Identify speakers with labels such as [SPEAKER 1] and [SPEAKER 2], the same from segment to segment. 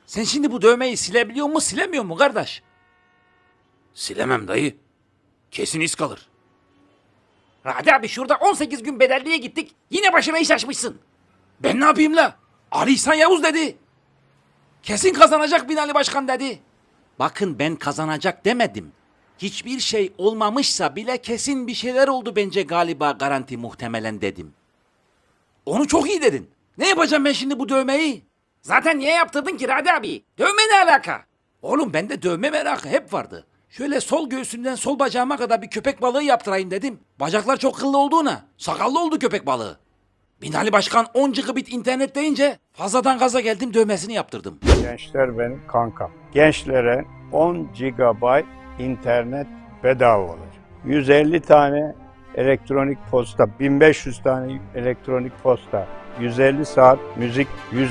[SPEAKER 1] Sen şimdi bu dövmeyi silebiliyor mu silemiyor mu kardeş?
[SPEAKER 2] Silemem dayı. Kesin iz kalır.
[SPEAKER 1] Radi abi şurada 18 gün bedelliye gittik. Yine başıma iş açmışsın.
[SPEAKER 2] Ben ne yapayım la?
[SPEAKER 1] Ali İhsan Yavuz dedi. Kesin kazanacak Binali Başkan dedi. Bakın ben kazanacak demedim. Hiçbir şey olmamışsa bile kesin bir şeyler oldu bence galiba garanti muhtemelen dedim. Onu çok iyi dedin. Ne yapacağım ben şimdi bu dövmeyi? Zaten niye yaptırdın ki Radi abi? Dövme ne alaka? Oğlum bende dövme merakı hep vardı. Şöyle sol göğsümden sol bacağıma kadar bir köpek balığı yaptırayım dedim. Bacaklar çok kıllı olduğuna sakallı oldu köpek balığı. Binali Başkan 10 gigabit internet deyince fazladan gaza geldim dövmesini yaptırdım.
[SPEAKER 3] Gençler benim kankam. Gençlere 10 GB internet bedava olacak. 150 tane elektronik posta, 1500 tane elektronik posta, 150 saat müzik,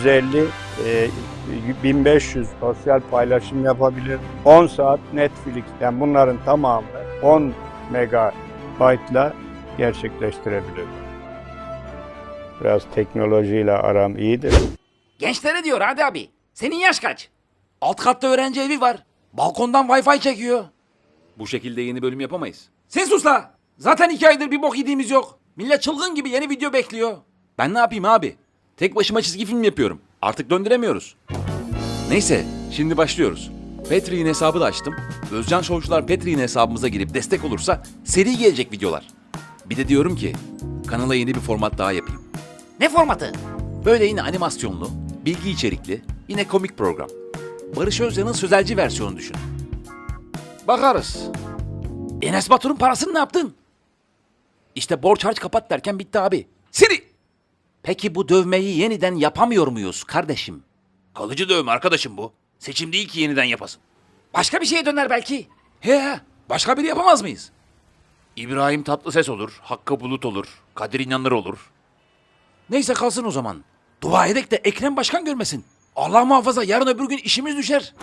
[SPEAKER 3] 1500 sosyal paylaşım yapabilir. 10 saat Netflix, yani bunların tamamı 10 megabaytla gerçekleştirebilir. Biraz teknolojiyle aram iyidir.
[SPEAKER 1] Gençlere diyor Radi abi. Senin yaş kaç? Alt katta öğrenci evi var. Balkondan Wi-Fi çekiyor.
[SPEAKER 2] Bu şekilde yeni bölüm yapamayız.
[SPEAKER 1] Sen sus la. Zaten 2 aydır bir bok yediğimiz yok. Millet çılgın gibi yeni video bekliyor.
[SPEAKER 2] Ben ne yapayım abi? Tek başıma çizgi film yapıyorum. Artık döndüremiyoruz. Neyse, şimdi başlıyoruz. Patreon hesabı da açtım. Özcan Şovcular Patreon hesabımıza girip destek olursa seri gelecek videolar. Bir de diyorum ki kanala yeni bir format daha yapayım.
[SPEAKER 1] Ne formatı?
[SPEAKER 2] Böyle yine animasyonlu, bilgi içerikli, yine komik program. Barış Özcan'ın sözelci versiyonu düşün.
[SPEAKER 1] Bakarız. Enes Batur'un parasını ne yaptın?
[SPEAKER 2] İşte borç harç kapat derken bitti abi.
[SPEAKER 1] Siri. Peki bu dövmeyi yeniden yapamıyor muyuz kardeşim?
[SPEAKER 2] Kalıcı dövme arkadaşım bu. Seçim değil ki yeniden yapasın.
[SPEAKER 1] Başka bir şeye döner belki. He, başka biri yapamaz mıyız?
[SPEAKER 2] İbrahim Tatlıses olur, Hakkı Bulut olur, Kadir İnanır olur.
[SPEAKER 1] Neyse kalsın o zaman. Dua edek de Ekrem Başkan görmesin. Allah muhafaza yarın öbür gün işimiz düşer.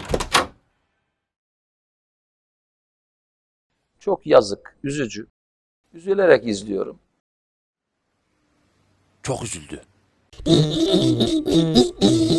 [SPEAKER 4] Çok yazık, üzücü. Üzülerek izliyorum.
[SPEAKER 1] Çok üzüldü.